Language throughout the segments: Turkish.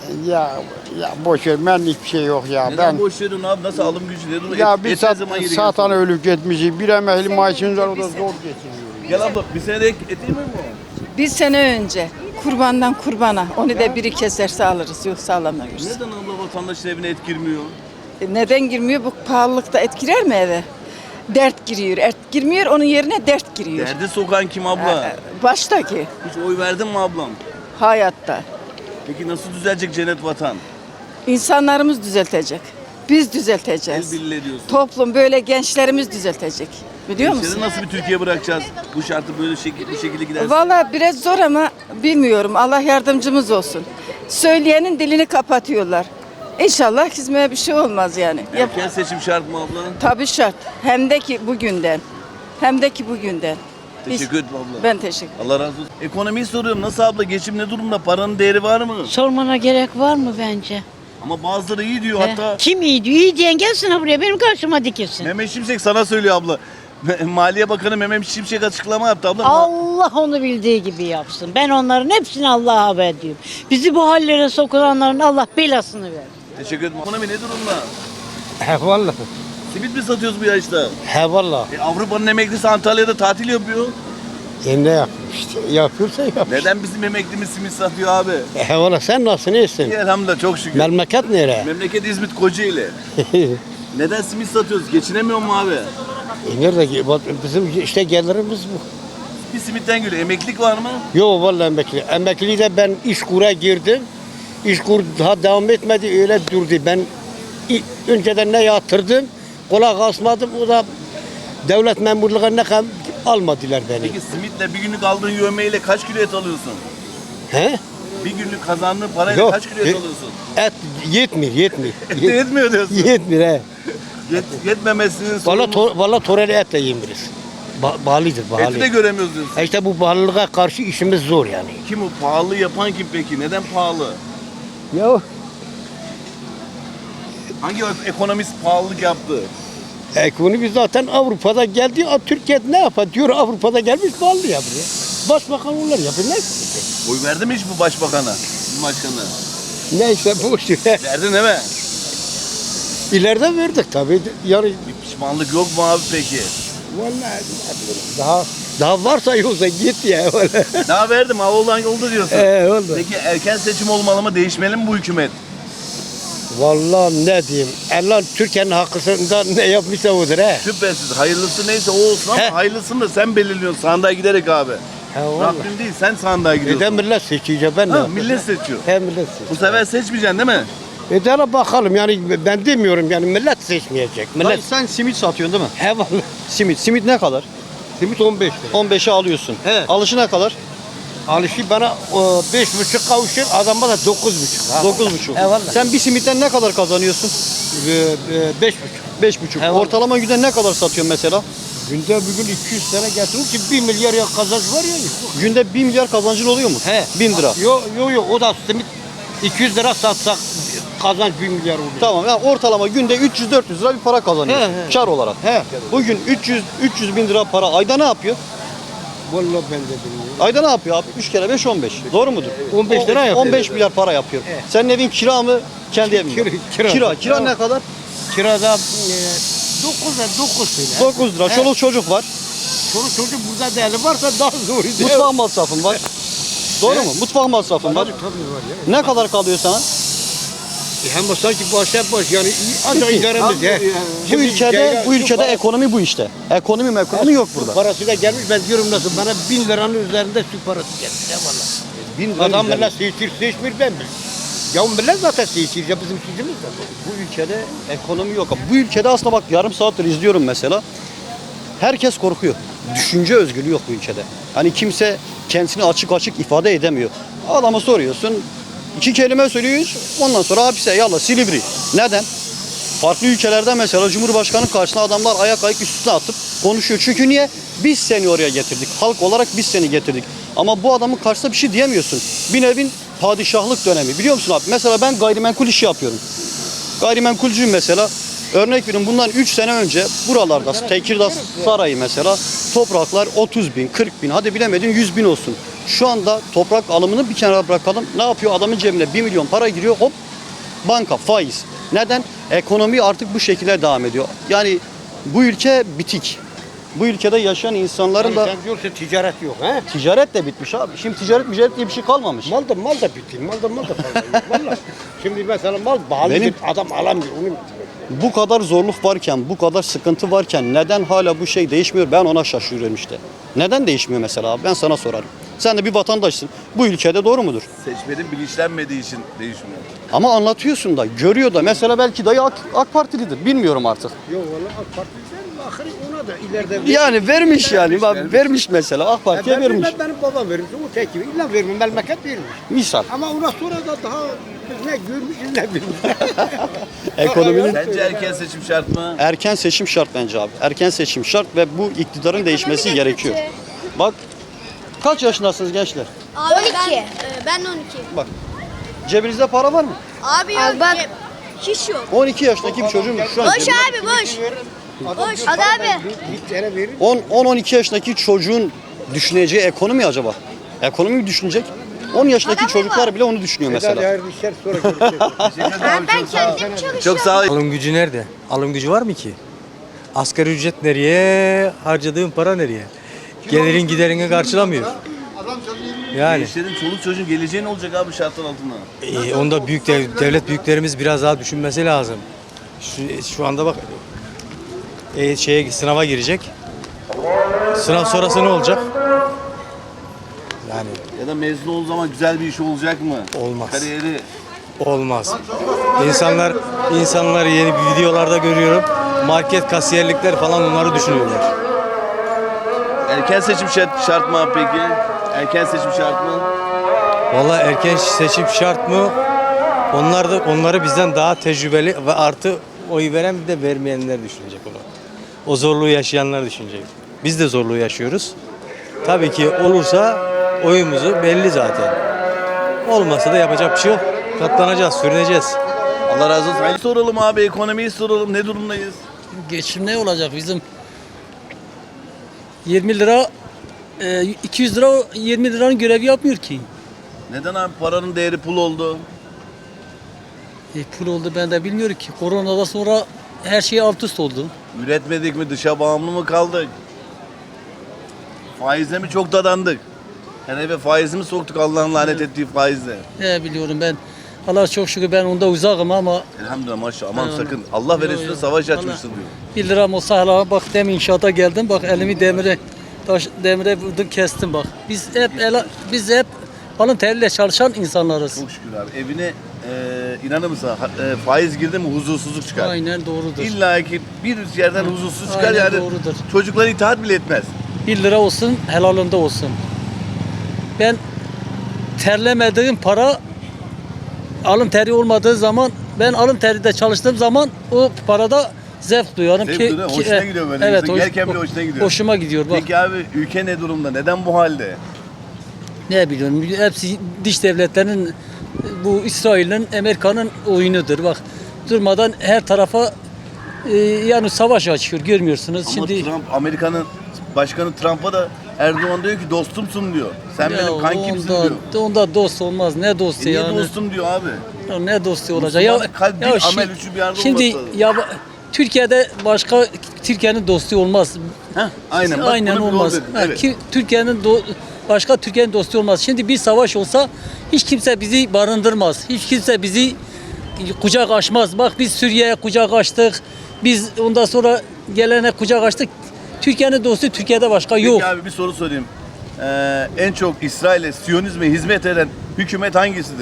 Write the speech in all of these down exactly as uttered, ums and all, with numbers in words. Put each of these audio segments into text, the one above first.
Ya, ya boş ver, ben hiçbir şey yok ya. Neden Ben boş verin abi? Nasıl alım gücü ne durumda? ya Et- bir et ne sat, zaman yeri satan geliyor? ölüp gitmişiz. Bir emekli maaşımız var, o da zor geçiniyor. Gel abla bir sene de et yemiyor mu? Bir sene önce kurbandan kurbana onu da biri keserse alırız yoksa alamıyoruz. Neden abla vatandaşın evine et girmiyor? E neden girmiyor? Bu pahalılıkta et girer mi eve? Dert giriyor. Et girmiyor onun yerine dert giriyor. Derdi sokan kim abla? E, Baştaki Hiç oy verdin mi ablam? hayatta. Peki nasıl düzelecek cennet vatan? İnsanlarımız düzeltecek. Biz düzelteceğiz. El birliği diyorsun. Toplum böyle gençlerimiz düzeltecek. Biliyor musun? Gençleri nasıl bir Türkiye bırakacağız? Bu şartı böyle şekil, bu şekilde giderse. Valla biraz zor ama bilmiyorum. Allah yardımcımız olsun. Söyleyenin dilini kapatıyorlar. İnşallah hizmeye bir şey olmaz yani. Yap- Erken seçim şart mı abla? Tabii şart. Hem de ki bugünden. Hem de ki bugünden. Biz- Teşekkür ederim abla. Ben teşekkür Allah razı olsun. Ekonomiyi soruyorum. Nasıl abla? Geçim ne durumda? Paranın değeri var mı? Sormana gerek var mı bence? Ama bazıları iyi diyor. He? Hatta Kim iyi diyor? İyi diyen gelsin ha buraya benim karşıma dikilsin. Mehmet Şimşek sana söylüyor abla. Maliye Bakanı Mehmet Şimşek açıklama yaptı abla. Allah onu bildiği gibi yapsın. Ben onların hepsini Allah'a haber ediyorum. Bizi bu hallere sokulanların Allah belasını ver. Teşekkür ederim. Ekonomi ne durumda? He vallahi. Simit mi satıyoruz bu yaşta? He vallahi. E, Avrupa'nın emeklisi Antalya'da tatil yapıyor. E ne yapıyor işte? Yapıyorsa yap. Neden bizim emeklimiz simit satıyor abi? He vallahi sen nasılsın iyisin? İyi elhamdülillah çok şükür. Memleket nere? Memleket İzmit Kocaeli. Neden simit satıyoruz? Geçinemiyor mu abi? e nerede ki? Bak, bizim işte gelirimiz bu. Bir simitten geliyor. Emeklilik var mı? Yo vallahi emekli. Emekli de ben iş kura girdim. İş kur daha devam etmedi öyle durdu. Ben i- önceden ne yatırdım? Kulak asmadım. O da devlet memurluğuna kadar almadılar beni. Peki simitle bir günlük aldığın yövmeyle kaç kilo et alıyorsun? He? Bir günlük kazandığın parayla Yok. kaç kilo et E- alıyorsun? Et yetmiyor, yetmiyor. Yetmiyor diyorsun. Yetmiyor he. Yet, yetmemesinin Valla sorumlusu. to, valla toreli et de yiyemiyoruz. Ba bağlıdır, bağlı. Eti de göremiyoruz diyorsun. E işte bu bağlılığa karşı işimiz zor yani. Kim o? Pahalı yapan kim peki? Neden pahalı? Ya Hangi ekonomist pahalılık yaptı? ekonomi zaten Avrupa'da geldi. A, Türkiye ne yapar diyor Avrupa'da gelmiş bağlı yapıyor. Başbakan onlar yapıyor. Ne? Oy verdi mi hiç bu başbakana? Bu başkanı? Neyse boş ver. Verdin değil mi? İleride verdik tabii. Yani Bir pişmanlık yok mu abi peki? vallahi daha daha varsa yoksa git ya. Vallahi. Daha verdim ha olan oldu diyorsun. Ee, oldu. Peki erken seçim olmalı mı? Değişmeli mi bu hükümet? Vallahi ne diyeyim. Allah Türkiye'nin hakkında ne yapmışsa odur he. Şüphesiz hayırlısı neyse o olsun ama He. hayırlısını da sen belirliyorsun sandığa giderek abi. He vallahi. Rabbim değil sen sandığa gidiyorsun. Neden millet seçiyor ben ne Ha, yapayım? millet seçiyor. He millet seçiyor. Bu sefer seçmeyeceksin değil mi? E de bakalım yani ben demiyorum yani millet seçmeyecek. Millet Dayı sen simit satıyorsun değil mi? he vallahi. Simit. Simit ne kadar? Simit on beş lira. on beşe alıyorsun. He. Alışı ne kadar? Alışı bana o, beş buçuk kavuşur adama da dokuz buçuk. Ha. dokuz buçuk. He vallahi. Sen bir simitten ne kadar kazanıyorsun? E, e, beş buçuk. beş buçuk. He, vallahi. Ortalama günde ne kadar satıyorsun mesela? Günde bugün iki yüz tane getirir ki bir milyar ya kazanç var ya. Günde bir milyar kazancın oluyor mu? He. bin lira. Yo yo yo o da simit iki yüz lira satsak kazanç bir milyar oluyor. Tamam yani ortalama günde üç yüz dört yüz lira bir para kazanıyorsun. He, he. Kar olarak. He. Bugün üç yüz üç yüz bin lira para ayda ne yapıyor? Vallahi ben de bilmiyorum. Ayda ne yapıyor abi? üç kere beş on beş. Doğru mudur? on beş lira yapıyor. on beş milyar para yapıyor. He. Senin evin kira mı? Kendi evin mi? Kira- kira. Kira. Kira ne kadar? Kirada e, dokuz lira dokuz lira. dokuz lira. He. Çoluk çocuk var. Çoluk çocuk burada değerli varsa daha zor. Mutfak masrafın var. Doğru mu? Mutfak masrafın var. Tabii var ya. Ne kadar kalıyor sana? E hem sanki başa baş yani ancak idaremiz ya. Bu ülkede bu ülkede ekonomi bu işte. Ekonomi mi ekonomi yok burada. Parası da gelmiş ben diyorum nasıl bana bin liranın üzerinde su parası geldi ya valla. Bin lira Adam üzerinde. millet seçir seçmir ben mi? Ya millet zaten seçir ya bizim seçimiz de. Bu ülkede ekonomi yok. Bu ülkede aslında bak yarım saattir izliyorum mesela. Herkes korkuyor. Düşünce özgürlüğü yok bu ülkede. Hani kimse kendisini açık açık ifade edemiyor. Adama soruyorsun. İki kelime söylüyor. Ondan sonra hapise yallah Silivri. Neden? Farklı ülkelerde mesela Cumhurbaşkanı karşısına adamlar ayak ayak üstüne atıp konuşuyor. Çünkü niye? Biz seni oraya getirdik. Halk olarak biz seni getirdik. Ama bu adamın karşısında bir şey diyemiyorsun. Bir nevin padişahlık dönemi. Biliyor musun abi? Mesela ben gayrimenkul işi yapıyorum. Gayrimenkulcüyüm mesela. Örnek verin bundan üç sene önce buralarda Tekirdağ Sarayı mesela topraklar otuz bin, kırk bin hadi bilemedin yüz bin olsun. Şu anda toprak alımını bir kenara bırakalım. Ne yapıyor? Adamın cebine bir milyon para giriyor. Hop banka, faiz. Neden? Ekonomi artık bu şekilde devam ediyor. Yani bu ülke bitik. Bu ülkede yaşayan insanların da Sen diyorsun ticaret yok he? ticaret de bitmiş abi. Şimdi ticaret ticaret diye bir şey kalmamış. Mal da mal da bitti. Mal da mal da fazla yok. Vallahi. Şimdi mesela mal pahalı Benim- adam alamıyor. Onu Bu kadar zorluk varken, bu kadar sıkıntı varken neden hala bu şey değişmiyor? Ben ona şaşırıyorum işte. Neden değişmiyor mesela abi? Ben sana sorarım. Sen de bir vatandaşsın. Bu ülkede doğru mudur? Seçmenin bilinçlenmediği için değişmiyor. Ama anlatıyorsun da, görüyor da. Mesela belki dayı AK, AK Partilidir. Bilmiyorum artık. yok vallahi AK Parti verir. Ahırı ona da ileride Yani vermiş yani. Bak, vermiş mesela. AK Parti'ye ben vermiş. vermem, benim babam vermiş. O tek gibi. İlla vermiş. Memleket vermiş. Misal. Ama ona sonra da daha biz ne görmüşüz ne bilmiş. Ekonominin Sence erken seçim şart mı? erken seçim şart bence abi. Erken seçim şart ve bu iktidarın değişmesi gerekiyor. Bak, kaç yaşındasınız gençler? Abi on iki. Ben, e, ben on iki. Bak, cebinizde para var mı? Abi yok. Bak. Hiç yok. on iki yaşındaki bir çocuğun şu an Boş cebinde- abi boş. Boş. Hadi abi. Bir tane verir. on on iki yaşındaki çocuğun düşüneceği ekonomi acaba? Ekonomi mi düşünecek? on yaşındaki Adam mı çocuklar var? bile onu düşünüyor Mesela mesela. hayırlı işler sonra görüşürüz. Ben, ben kendim çalışıyorum. Çok sağ ol. Alım gücü nerede? Alım gücü var mı ki? Asgari ücret nereye? Harcadığın para nereye? Gelirin giderini karşılamıyor. Yani Gençlerin çoluk çocuğun geleceği ne olacak abi şartlar altında? e, onda büyük dev- devlet büyüklerimiz biraz daha düşünmesi lazım. Şu, şu anda bak e, şeye sınava girecek. Sınav sonrası ne olacak? Yani Ya da mezun olduğu zaman güzel bir iş olacak mı? Olmaz. Kariyeri olmaz. İnsanlar insanları yeni videolarda görüyorum. Market kasiyerlikler falan onları düşünüyorlar. erken seçim şart, şart mı abi peki? Erken seçim şart mı? Vallahi erken seçim şart mı? Onlar da onları bizden daha tecrübeli ve artı oy veren bir de vermeyenler düşünecek onu. O zorluğu yaşayanlar düşünecek. Biz de zorluğu yaşıyoruz. Tabii ki olursa oyumuzu belli zaten. Olmasa da yapacak bir şey yok. Katlanacağız, sürüneceğiz. Allah razı olsun. Hayırlı soralım abi, ekonomiyi soralım. Ne durumdayız? Geçim ne olacak bizim? yirmi lira, e, iki yüz lira yirmi liranın görevi yapmıyor ki. Neden abi paranın değeri pul oldu? E, pul oldu ben de bilmiyorum ki. Koronadan sonra her şey alt üst oldu. Üretmedik mi, dışa bağımlı mı kaldık? Faizle mi çok dadandık? Yani eve faizi mi soktuk Allah'ın lanet ettiği faizle? Ne biliyorum ben. Allah çok şükür ben onda uzakım ama Elhamdülillah maşallah aman Ha, sakın. Allah ve Yo, Resulü yo. savaş Vallahi. açmıştır diyor. bir liram olsa hala bak demin inşaata geldim bak elimi demire taş demire vurdum kestim bak. Biz hep el, biz hep alın teriyle çalışan insanlarız. Çok şükür abi. Evine e, inanır mısın ha- e, faiz girdi mi huzursuzluk çıkar. Aynen doğrudur. İlla ki bir yerden huzursuz çıkar Aynen yani doğrudur. çocuklar itaat bile etmez. bir lira olsun helalinde olsun. Ben terlemediğim para alın teri olmadığı zaman ben alın teride çalıştığım zaman o parada zevk duyarım Zevk ki, duyuyor, ki- hoşuna e, gidiyor böyle. Evet, İnsan hoş- gelirken bile hoşuna gidiyor. Hoşuma gidiyor bak. Peki abi ülke ne durumda? Neden bu halde? Ne biliyorum hepsi dış devletlerin bu İsrail'in Amerika'nın oyunudur bak. Durmadan her tarafa e, yani savaş açıyor görmüyorsunuz. Ama Şimdi Trump, Amerika'nın başkanı Trump'a da Erdoğan diyor ki dostumsun diyor. Sen ya benim kankimsin onda, diyor. onda dost olmaz. Ne dostu E niye yani? dostum diyor abi? Ya ne dostu olacak? Ya, Müslümanlık kalp, dil, şi- amel üçü bir arada Şimdi olması lazım. ya Türkiye'de başka Türkiye'nin dostu olmaz. Heh, aynen. Bak, Aynen bunu bir olmaz. yol dedin, Ha, evet. ki- Türkiye'nin do- başka Türkiye'nin dostu olmaz. Şimdi bir savaş olsa hiç kimse bizi barındırmaz. Hiç kimse bizi kucak açmaz. Bak biz Suriye'ye kucak açtık. Biz ondan sonra gelene kucak açtık. Türkiye'nin dostu Türkiye'de başka Peki yok. abi bir soru sorayım. Ee, en çok İsrail'e, Siyonizme hizmet eden hükümet hangisidir?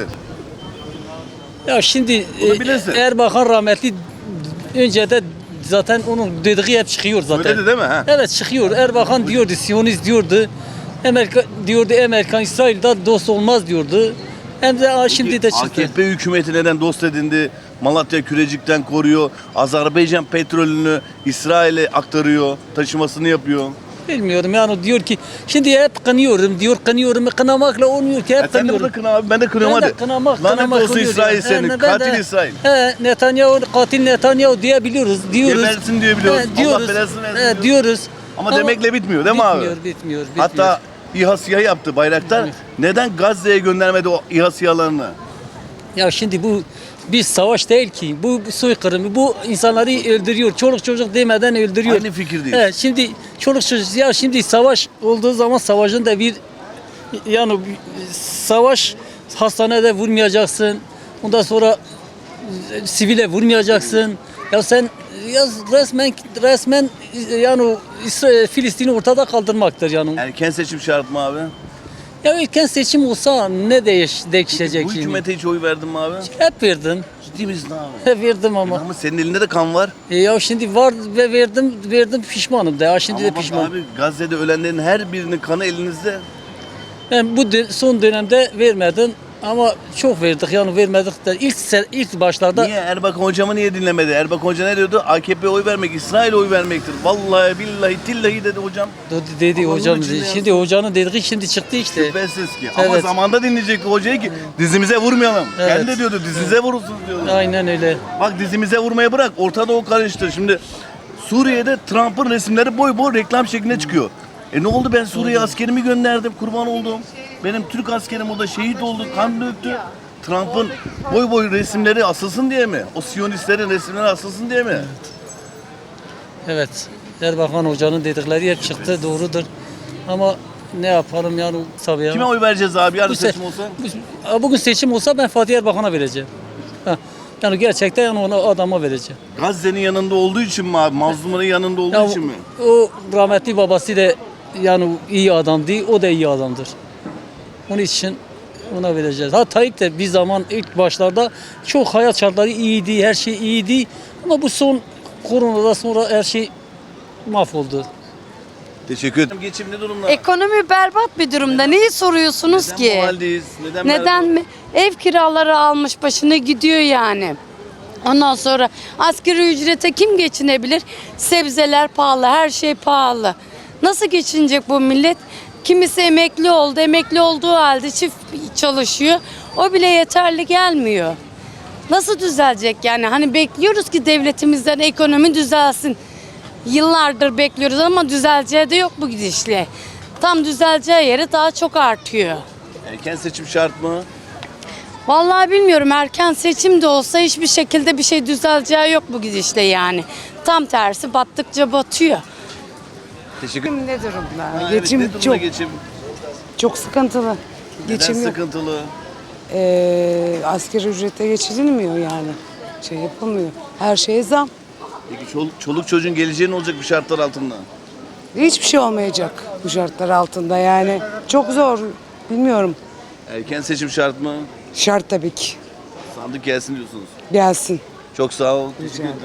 Ya şimdi Bunu e, bilirsin. Erbakan rahmetli önce de zaten onun dediği hep çıkıyor zaten. Söyledi değil mi? Ha? Evet çıkıyor. Erbakan diyordu, Siyonist diyordu. Amerika diyordu, Amerika İsrail'de dost olmaz diyordu. Hem de aa, şimdi de çıktı. A K P hükümeti neden dost edindi? Malatya Kürecik'ten koruyor. Azerbaycan petrolünü İsrail'e aktarıyor. Taşımasını yapıyor. Bilmiyorum yani diyor ki şimdi hep kınıyorum diyor kınıyorum kınamakla olmuyor ki hep Ya sen de kınıyorum. burada kına abi. Ben de kınıyorum Ben hadi. de kınamak, Lanet kınamak olsun oluyor İsrail yani. senin. He, ben Katil de- İsrail. He, Netanyahu katil Netanyahu diyebiliyoruz diyoruz. Gebersin diyebiliyoruz. He, Allah belasını versin He, diyoruz. diyoruz. Ama demekle bitmiyor değil mi abi? Bitmiyor, bitmiyor, bitmiyor. Hatta İHA SİHA yaptı Bayraktar. Evet. Neden Gazze'ye göndermedi o İHA SİHA'larını? Ya şimdi bu bir savaş değil ki. Bu soykırım. Bu insanları öldürüyor. Çoluk çocuk demeden öldürüyor. Aynı fikirdeyiz. Evet, şimdi çoluk çocuk ya şimdi savaş olduğu zaman savaşın da bir yani bir savaş hastanede vurmayacaksın. Ondan sonra e, sivile vurmayacaksın. Ya sen ya resmen resmen yani o İsrail, Filistin'i ortada kaldırmaktır yani. Erken seçim şart mı abi? Ya erken seçim olsa ne değiş, değişecek Bu şimdi? hükümete hiç oy verdin mi abi? Hep verdim. Ciddi misin abi? Hep verdim ama. Ama senin elinde de kan var. E ya şimdi var ve verdim verdim pişmanım da ya şimdi Ama de bak pişmanım. abi Gazze'de ölenlerin her birinin kanı elinizde. Ben bu dö- son dönemde vermedim ama çok verdik yani vermedik de ilk se- ilk başlarda Niye? Erbakan hocamı niye dinlemedi? Erbakan hoca ne diyordu? A K P'ye oy vermek, İsrail'e oy vermektir. Vallahi billahi tillahi dedi hocam. d- dedi Ama hocam onun için de şimdi hocanın dediği şimdi çıktı işte. Şüphesiz ki. Ama Evet. zamanda dinleyecekti hocayı ki dizimize vurmayalım. Evet. Kendi de diyordu dizinize vurursunuz diyordu. Aynen öyle. Bak dizimize vurmayı bırak. Ortada o karıştı. Şimdi Suriye'de Trump'ın resimleri boy boy reklam şeklinde çıkıyor. E ne oldu ben Suriye'ye askerimi gönderdim. Kurban oldum. Benim Türk askerim o da şehit oldu. Kan döktü. Trump'ın boy boy resimleri asılsın diye mi? O Siyonistlerin resimleri asılsın diye mi? Evet. Erbakan hocanın dedikleri hep çıktı doğrudur. Ama ne yapalım yani tabii ya. Kime oy vereceğiz abi yarın Bu se- seçim olsa? bu- Bugün seçim olsa ben Fatih Erbakan'a vereceğim. Ha. Yani gerçekten yani ona adama vereceğim. Gazze'nin yanında olduğu için mi abi? Mazlumların yanında olduğu Ya için mi? o rahmetli babası da yani iyi adamdı, o da iyi adamdır. Onun için ona vereceğiz. Ha Tayyip de bir zaman ilk başlarda çok hayat şartları iyiydi, her şey iyiydi. Ama bu son koronadan sonra her şey mahvoldu. Teşekkür ederim. Geçim ne durumda? Ekonomi berbat bir durumda. Neyi soruyorsunuz Neden ki? bu haldeyiz? Neden, Neden mi? Ev kiraları almış başını gidiyor yani. Ondan sonra asgari ücrete kim geçinebilir? Sebzeler pahalı, her şey pahalı. Nasıl geçinecek bu millet? Kimisi emekli oldu, emekli olduğu halde çift çalışıyor. O bile yeterli gelmiyor. Nasıl düzelecek yani? Hani bekliyoruz ki devletimizden ekonomi düzelsin. Yıllardır bekliyoruz ama düzeleceği de yok bu gidişle. Tam düzeleceği yeri daha çok artıyor. Erken seçim şart mı? Vallahi bilmiyorum, erken seçim de olsa hiçbir şekilde bir şey düzeleceği yok bu gidişle yani. Tam tersi battıkça batıyor. Teşekkür Ne durumda? Ha, evet, Geçim ne durumda çok geçim? çok sıkıntılı. Neden Geçim yok. sıkıntılı? Ee, asgari ücrete geçirilmiyor yani. Şey yapılmıyor. Her şeye zam. Peki çoluk, çoluk çocuğun geleceği ne olacak bu şartlar altında? Hiçbir şey olmayacak bu şartlar altında yani. Çok zor. Bilmiyorum. Erken seçim şart mı? Şart tabii ki. Sandık gelsin diyorsunuz. Gelsin. Çok sağ ol. Teşekkür ederim.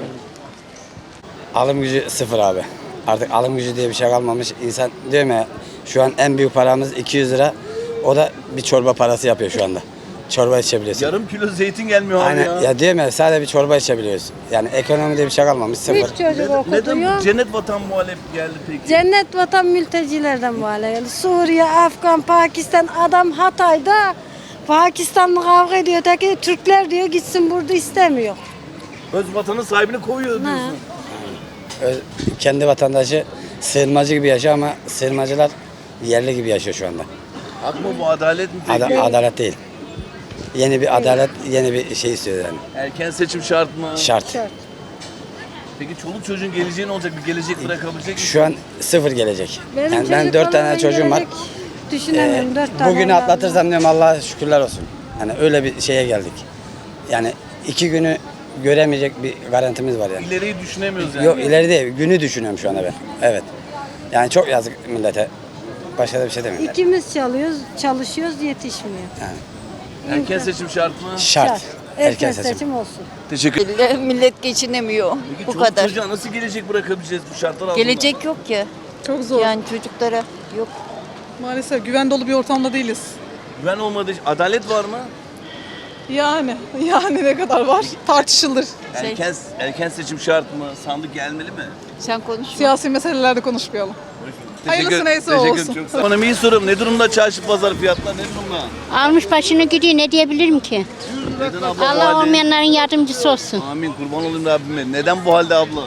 Alım gücü sıfır abi. Artık alım gücü diye bir şey kalmamış. İnsan diyor ya şu an en büyük paramız iki yüz lira. O da bir çorba parası yapıyor şu anda. Çorba içebiliyorsun. Yarım kilo zeytin gelmiyor abi Aynen ya. ya diyor ya sadece bir çorba içebiliyoruz. Yani ekonomi diye bir şey kalmamış sıfır. Hiç çocuk Neden, okutuyor. neden cennet vatan muhalef geldi peki? Cennet vatan mültecilerden bağlı. Suriye, Afgan, Pakistan, adam Hatay'da Pakistan'la kavga ediyor. Öteki Türkler diyor gitsin, burada istemiyor. Öz vatanın sahibini koyuyor diyorsun. Ö- Kendi vatandaşı sığınmacı gibi yaşıyor ama sığınmacılar yerli gibi yaşıyor şu anda. Hak mı bu, adalet mi peki? Ada- adalet değil. Yeni bir adalet, yeni bir şey istiyor yani. Erken seçim şart mı? Şart. Peki çoluk çocuğun geleceği ne olacak? Bir gelecek bırakabilecek misin? Şu an sıfır gelecek. Benim Yani ben çocuk dört tane olmadan çocuğum var. gelecek Düşünemiyorum. Ee, dört tane bugünü evladım var. atlatırsam diyorum Allah'a şükürler olsun. Yani öyle bir şeye geldik. Yani iki günü göremeyecek bir garantimiz var yani. İleriyi düşünemiyoruz yani. Yok ileri değil, günü düşünüyorum şu anda ben. Evet. Yani çok yazık millete. Başka da bir şey demiyorum. İkimiz çalışıyoruz, çalışıyoruz yetişmiyor. Erken seçim şart mı? Şart. Erken seçim olsun. Teşekkür Millet geçinemiyor. Peki Bu çoluk kadar. çocuğa nasıl gelecek bırakabileceğiz bu şartlar altında? Gelecek yok ki. Çok zor. Yani çocuklara yok. Maalesef güven dolu bir ortamda değiliz. Güven olmadığı adalet var mı? Yani yani ne kadar var tartışılır. Erken erken seçim şart mı? Sandık gelmeli mi? Sen konuş. Siyasi meselelerde konuşmayalım. Hayırlısı neyse teşekkür olsun. Çok sağ olun. Ekonomiyi soruyorum. Ne durumda çarşı pazar fiyatlar? Ne durumda? Almış başını gidiyor, ne diyebilirim ki? Neden abla bu Allah halde? olmayanların yardımcısı olsun. Amin. Kurban olayım Rabbime. Neden bu halde abla?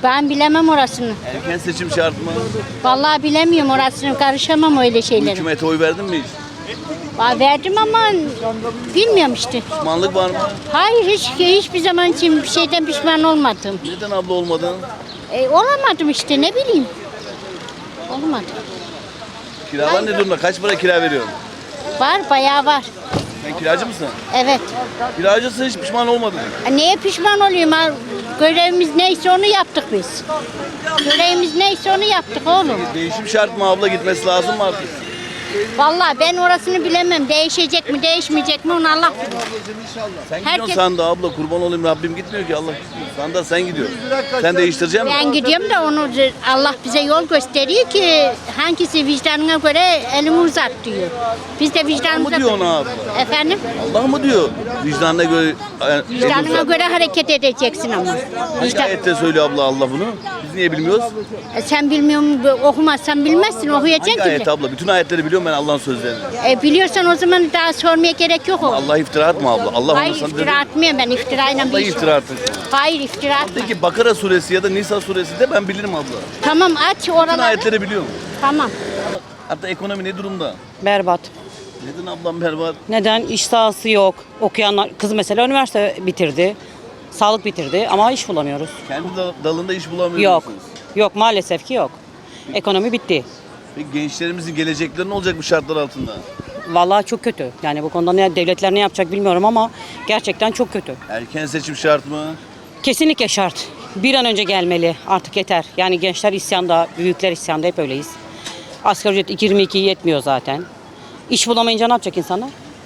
Ben bilemem orasını. Erken seçim şart mı? Vallahi bilemiyorum orasını. Karışamam öyle Bu şeylere. hükümete oy verdin mi hiç? Aa, verdim ama bilmiyorum işte. Pişmanlık var mı? Hayır hiç hiçbir zaman için bir şeyden pişman olmadım. Neden abla olmadın? E, olamadım işte ne bileyim. Olmadı. Kiralar ne durumda? Kaç para kira veriyorsun? Var bayağı var. Sen kiracı mısın? Evet. Kiracısın, hiç pişman olmadın. E, Neye pişman olayım? Ha? Görevimiz neyse onu yaptık biz. Görevimiz neyse onu yaptık oğlum. Değişim şart mı abla, gitmesi lazım mı artık? Vallahi ben orasını bilemem. Değişecek mi değişmeyecek mi onu Allah bilir. Sen gidiyorsun Herkes- sandığa abla, kurban olayım, Rabbim gitmiyor ki Allah. Sandığa sen gidiyorsun. Sen değiştirecek misin? Ben gidiyorum da onu Allah bize yol gösteriyor ki hangisi vicdanına göre elini uzat diyor. Biz de Allah vicdanımıza... mı diyor ona abla? Efendim? Allah mı diyor? Vicdanına göre... Yani, Vicdanına göre hareket edeceksin ama. Hangi Vicdan... ayette söylüyor abla Allah bunu? Biz niye bilmiyoruz? E, Sen bilmiyorsun, okumazsan bilmezsin, okuyacaksın Hangi ayet ki. abla? Bütün ayetleri biliyorum ben Allah'ın sözlerini. E, biliyorsan o zaman daha sormaya gerek yok o. Allah iftira atma abla. Allah Hayır onu sana iftira dedi. atmıyorum ben, iftirayla bir Allah iş. iftira atın. Hayır iftira atma. Peki Bakara suresi ya da Nisa suresi de ben bilirim abla. Tamam aç Bütün oraları. ayetleri biliyorum. Tamam. Hatta ekonomi ne durumda? Berbat. Neden ablam berbat? Neden? İş sahası yok. Okuyanlar, kız mesela üniversite bitirdi. Sağlık bitirdi ama iş bulamıyoruz. Kendi dal- dalında iş bulamıyor Yok. musunuz? Yok maalesef ki yok. Ekonomi bitti. Peki gençlerimizin gelecekleri ne olacak bu şartlar altında? Vallahi çok kötü. Yani bu konuda ne, devletler ne yapacak bilmiyorum ama gerçekten çok kötü. Erken seçim şart mı? Kesinlikle şart. Bir an önce gelmeli. Artık yeter. Yani gençler isyanda, büyükler isyanda, hep öyleyiz. Asgari ücret yirmi iki yetmiyor zaten. İş bulamayınca ne yapacak insanlar?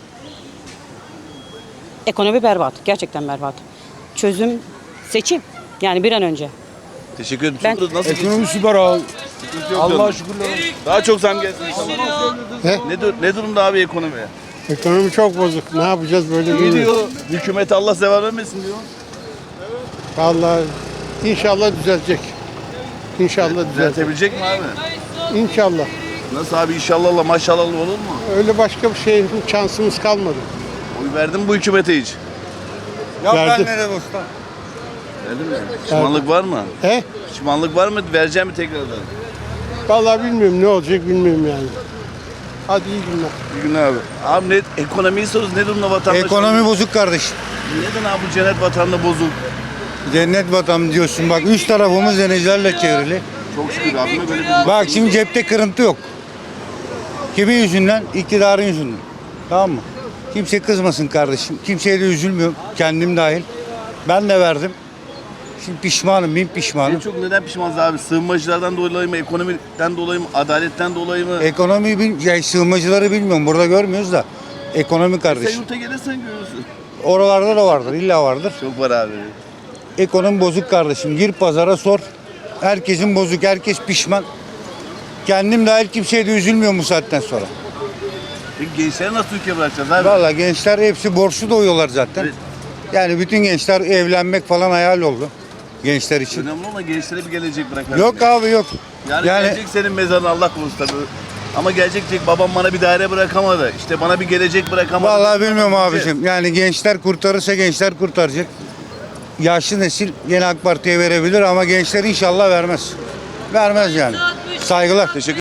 Ekonomi berbat. Gerçekten berbat. Çözüm seçim. Yani bir an önce. Teşekkür ederim. Ben- Şurada nasıl Ekonomi süper abi. Allah şükürler. Daha çok zam gelsin inşallah. He? Ne, dur- ne durumda abi ekonomi? Ekonomi çok bozuk. Ne yapacağız böyle İyi bilmiyorum. diyor. Hükümete Allah zeval vermesin diyor. Vallahi inşallah düzelecek. İnşallah düzelecek. Düzeltebilecek mi abi? İnşallah. Nasıl abi inşallah Allah maşallah olur mu? Öyle başka bir şey şansımız kalmadı. Oy verdin mi bu hükümete hiç? Verdi. Verdin mi? Pişmanlık var mı? He? Pişmanlık var mı? Vereceğim mi tekrardan? Vallahi bilmiyorum ne olacak bilmiyorum yani. Hadi iyi günler. Bir gün abi. Abi ne, ekonomiyi soruyoruz. Ne durumda vatandaş? Ekonomi bozuk kardeşim. Neden abi bu cennet vatanda bozuk? Cennet vatan diyorsun bak, üç tarafımız denizlerle çevrili. Çok şükür abime böyle bir... Bak şimdi cepte kırıntı yok. Kimin yüzünden? İktidarın yüzünden. Tamam mı? Kimse kızmasın kardeşim. Kimseye de üzülmüyorum. Kendim dahil. Ben de verdim. Şimdi pişmanım, bin En pişmanım. çok neden pişmanız abi? Sığınmacılardan dolayı mı? Ekonomiden dolayı mı? Adaletten dolayı mı? Ekonomiyi bil, yani sığınmacıları bilmiyorum. Burada görmüyoruz da. Ekonomi Sen kardeşim. yurtta gelirsen görürsün. Oralarda da vardır, illa vardır. Çok var abi. Ekonomi bozuk kardeşim. Gir pazara sor. Herkesin bozuk, herkes pişman. Kendim dahil kimseye de üzülmüyorum bu saatten sonra. Peki gençleri nasıl ülke bırakacağız abi? Vallahi gençler hepsi borçlu doyuyorlar zaten. Evet. Yani bütün gençler evlenmek falan hayal oldu. Gençler için. Önemli olan gençlere bir gelecek bırakalım. Yok abi yok. Yani, Yani- gelecek senin mezarına Allah korusun tabii. Ama gelecek diyecek babam bana bir daire bırakamadı. İşte bana bir gelecek bırakamadı. Vallahi bilmiyorum abicim. Yani gençler kurtarırsa gençler kurtaracak. Yaşlı nesil yine AK Parti'ye verebilir ama gençler inşallah vermez. Vermez yani. Saygılar. Teşekkür